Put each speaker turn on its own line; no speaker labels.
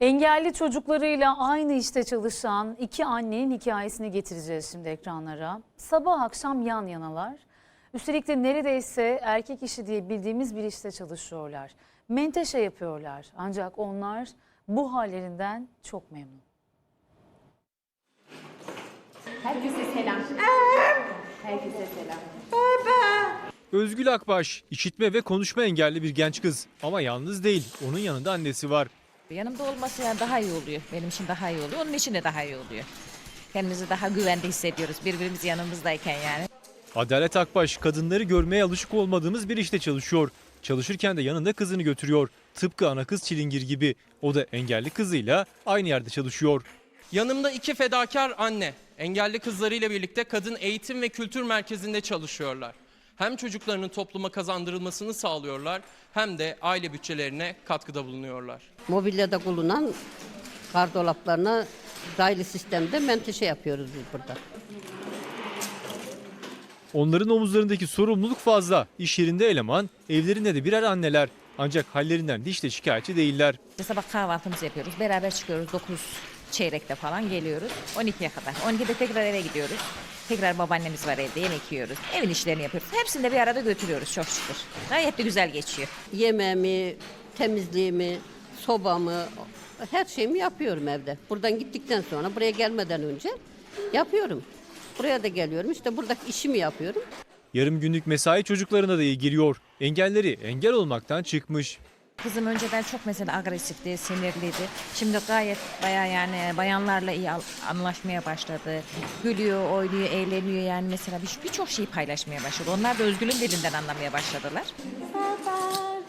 Engelli çocuklarıyla aynı işte çalışan iki annenin hikayesini getireceğiz şimdi ekranlara. Sabah akşam yan yanalar. Üstelik de neredeyse erkek işi diye bildiğimiz bir işte çalışıyorlar. Menteşe yapıyorlar. Ancak onlar bu hallerinden çok memnun.
Herkese selam. Herkese selam.
Özgül Akbaş, işitme ve konuşma engelli bir genç kız. Ama yalnız değil, onun yanında annesi var.
Yanımda olması yani daha iyi oluyor. Benim için daha iyi oluyor. Onun için de daha iyi oluyor. Kendimizi daha güvende hissediyoruz. Birbirimiz yanımızdayken yani.
Adalet Akbaş, kadınları görmeye alışık olmadığımız bir işte çalışıyor. Çalışırken de yanında kızını götürüyor. Tıpkı ana kız Çilingir gibi. O da engelli kızıyla aynı yerde çalışıyor.
Yanımda iki fedakar anne, engelli kızlarıyla birlikte Kadın Eğitim ve Kültür Merkezi'nde çalışıyorlar. Hem çocuklarının topluma kazandırılmasını sağlıyorlar hem de aile bütçelerine katkıda bulunuyorlar.
Mobilyada bulunan gardolaplarına raylı sistemde menteşe yapıyoruz biz burada.
Onların omuzlarındaki sorumluluk fazla. İş yerinde eleman, evlerinde de birer anneler. Ancak hallerinden hiç de şikayetçi değiller.
Sabah kahvaltımızı yapıyoruz. Beraber çıkıyoruz. 9 çeyrekte falan geliyoruz. 12'ye kadar. 12'de tekrar eve gidiyoruz. Tekrar babaannemiz var evde, yemek yiyoruz. Evin işlerini yapıyoruz. Hepsini de bir arada götürüyoruz çok şükür. Gayet de güzel geçiyor.
Yemeğimi, temizliğimi, sobamı, her şeyimi yapıyorum evde. Buradan gittikten sonra, buraya gelmeden önce yapıyorum. Buraya da geliyorum, işte buradaki işimi yapıyorum.
Yarım günlük mesai çocuklarına da iyi giriyor. Engelleri engel olmaktan çıkmış.
Kızım önceden çok mesela agresifti, sinirliydi. Şimdi gayet bayağı yani bayanlarla iyi anlaşmaya başladı. Gülüyor, oynuyor, eğleniyor yani mesela birçok şeyi paylaşmaya başladı. Onlar da Özgül'ün dilinden anlamaya başladılar.